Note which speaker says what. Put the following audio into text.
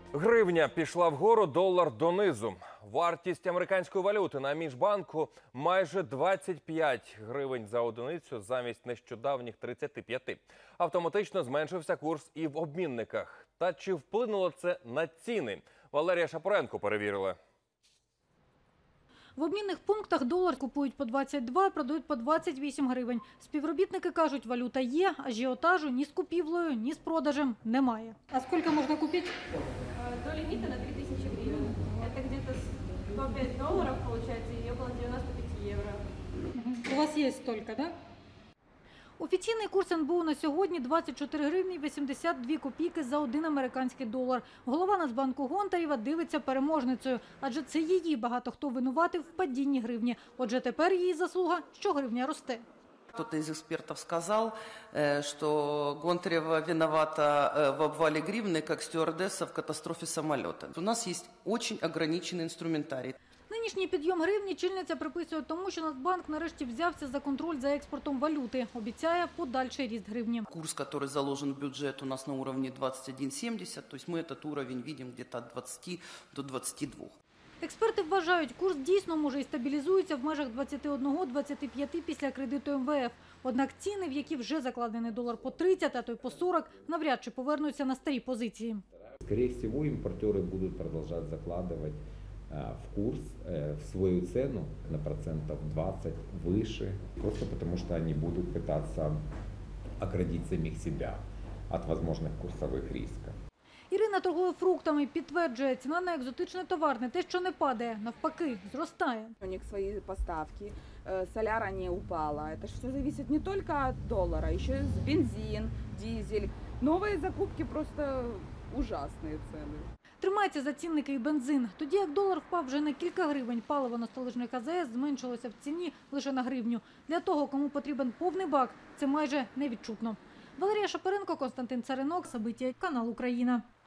Speaker 1: Гривня пішла вгору, долар донизу. Вартість американської валюти на міжбанку майже 25 гривень за одиницю замість нещодавніх 35. Автоматично зменшився курс і в обмінниках. Та чи вплинуло це на ціни? Валерія Шапоренко перевірила.
Speaker 2: В обмінних пунктах долар купують по 22, продають по 28 гривень. Співробітники кажуть, валюта є, ажіотажу ні з купівлею, ні з продажем немає. А скільки можна купити?
Speaker 3: До лимита на 3000 гривен. Это где-то 105 долларов получается и около 95 евро.
Speaker 2: У вас є стільки, так? Офіційний курс НБУ на сьогодні – 24 гривні 82 копійки за 1 американський долар. Голова Нацбанку Гонтарєва дивиться переможницею, адже це її багато хто винуватив в падінні гривні. Отже, тепер її заслуга, що гривня росте.
Speaker 4: Кто-то из экспертов сказал, что Гонтарева виновата в обвале гривны, как стюардесса в катастрофе самолета. У нас есть очень ограниченный инструментарий.
Speaker 2: Нинішній підйом гривні чільниця приписує тому, що Нацбанк нарешті взявся за контроль за експортом валюти. Обіцяє подальший ріст гривні.
Speaker 4: Курс, который заложен в бюджет, у нас на уровне 21,70, то есть мы этот уровень видим где-то от 20 до 22.
Speaker 2: Експерти вважають, курс дійсно може і стабілізується в межах 21-25 після кредиту МВФ. Однак ціни, в які вже закладений долар по 30, а то й по 40, навряд чи повернуться на старі позиції.
Speaker 5: Скорее всего, импортеры будут продолжать закладывать в курс, в свою цену на процентов 20 выше, просто потому что они будут пытаться оградить самих себя от возможных курсовых рисков.
Speaker 2: Ірина торгує фруктами, підтверджує, ціна на екзотичний товар не те, що не падає, навпаки, зростає.
Speaker 6: У них свои поставки, соляра не упала. Это все зависит не только от доллара, еще и бензин, дизель. Новые закупки просто ужасные цены.
Speaker 2: Тримається за цінники і бензин. Тоді як долар впав вже на кілька гривень, паливо на столичних АЗС зменшилося в ціні лише на гривню. Для того, кому потрібен повний бак, це майже невідчутно. Валерія Шапоренко, Константин Царинок, Сабиття, канал Україна.